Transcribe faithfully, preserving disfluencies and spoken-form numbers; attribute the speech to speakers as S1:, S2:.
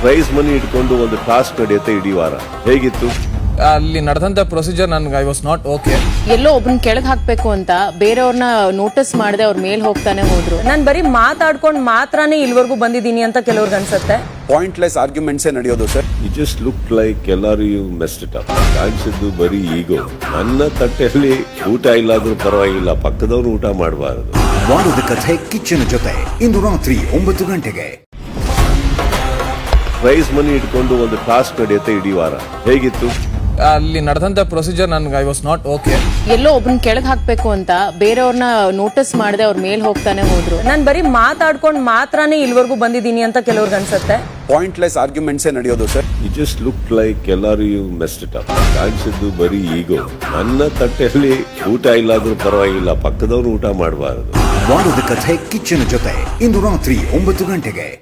S1: Prize money ಇಟ್ಕೊಂಡು ಒಂದು task ನಡೆಯುತ್ತೆ ಇಡೀ ವಾರ. ಹೇಗಿತ್ತು
S2: ಅಲ್ಲಿ ನಡೆದಂತ ಪ್ರೊಸೀಜರ್ ನನ್ಗೆ ಐ ವಾಸ್ ನಾಟ್ ಓಕೆ.
S3: ಎಲ್ಲೋ ಒಬ್ಬನ್ ಕೆಳಗ್ ಹಾಕ್ಬೇಕು ಅಂತ ಬೇರೆಯವ್ರನ್ನ ನೋಟಿಸ್ ಮಾಡದೆ ಅವ್ರ ಮೇಲ್ ಹೋಗ್ತಾನೆ ಹೋದ್ರು.
S4: ನಾನ್ ಬರೀ ಮಾತಾಡ್ಕೊಂಡ್ ಮಾತ್ರನೇ ಇಲ್ವರೆಗೂ ಬಂದಿದ್ದೀನಿ ಅಂತ ಕೆಲವ್ರಿಗೆ ಅನ್ಸುತ್ತೆ.
S5: ಪಾಯಿಂಟ್ಲೆಸ್ ಆರ್ಗ್ಯುಮೆಂಟ್ಸೇ ನಡೆಯೋದು sir.
S1: You just look like ಎಲ್ಲರೂ ಯು ಮೆಸ್ಡ್ ಇಟ್ ಅಪ್. ಕಾಣಿಸಿದ್ದು ಬರೀ ಈಗೋ. ನನ್ನ ತಟ್ಟೆಯಲ್ಲಿ ಊಟ ಇಲ್ಲಾದ್ರೂ ಪರವಾಗಿಲ್ಲ, ಪಕ್ಕದವ್ರು ಊಟ ಮಾಡಬಾರದು.
S6: ವಾರದ ಕಥೆ ಕಿಚ್ಚನ ಜೊತೆ ಇಂದು ರಾತ್ರಿ ಒಂಬತ್ತು ಗಂಟೆಗೆ.
S1: ಪ್ರೈಸ್ ಮನಿ ಇಟ್ಕೊಂಡು ಒಂದು ಟಾಸ್ಕ್ ನಡೆಯುತ್ತೆ ಇಡೀ ವಾರ. ಹೇಗಿತ್ತು
S2: ಅಲ್ಲಿ ನಡೆದಂತ ಪ್ರೊಸೀಜರ್ ನನ್ಗೆ ಐ ವಾಸ್ ನಾಟ್ ಓಕೆ.
S3: ಎಲ್ಲೋ ಒಬ್ಬನ್ ಕೆಳಗ್ ಹಾಕ್ಬೇಕು ಅಂತ ಬೇರೆಯವ್ರನ್ನ ನೋಟಿಸ್ ಮಾಡದೆ ಅವ್ರ ಮೇಲ್ ಹೋಗ್ತಾನೆ ಹೋದ್ರು.
S4: ನಾನ್ ಬರೀ ಮಾತಾಡ್ಕೊಂಡ್ ಮಾತ್ರನೇ ಇಲ್ವರೆಗೂ ಬಂದಿದ್ದೀನಿ ಅಂತ ಕೆಲವ್ರಿಗೆ ಅನ್ಸುತ್ತೆ.
S5: ಪಾಯಿಂಟ್ಲೆಸ್ ಆರ್ಗ್ಯುಮೆಂಟ್ಸೇ ನಡೆಯೋದು sir.
S1: You just look like ಎಲ್ಲರೂ ಯು ಮೆಸ್ಡ್ ಇಟ್ ಅಪ್. ಕಾಣಿಸಿದ್ದು ಬರೀ ಈಗೋ. ನನ್ನ ತಟ್ಟೆಯಲ್ಲಿ ಊಟ ಇಲ್ಲಾದ್ರೂ ಪರವಾಗಿಲ್ಲ, ಪಕ್ಕದವ್ರು ಊಟ ಮಾಡಬಾರದು.
S6: ವಾರದ ಕಥೆ ಕಿಚ್ಚನ ಜೊತೆ ಇಂದು ರಾತ್ರಿ ಒಂಬತ್ತು ಗಂಟೆಗೆ.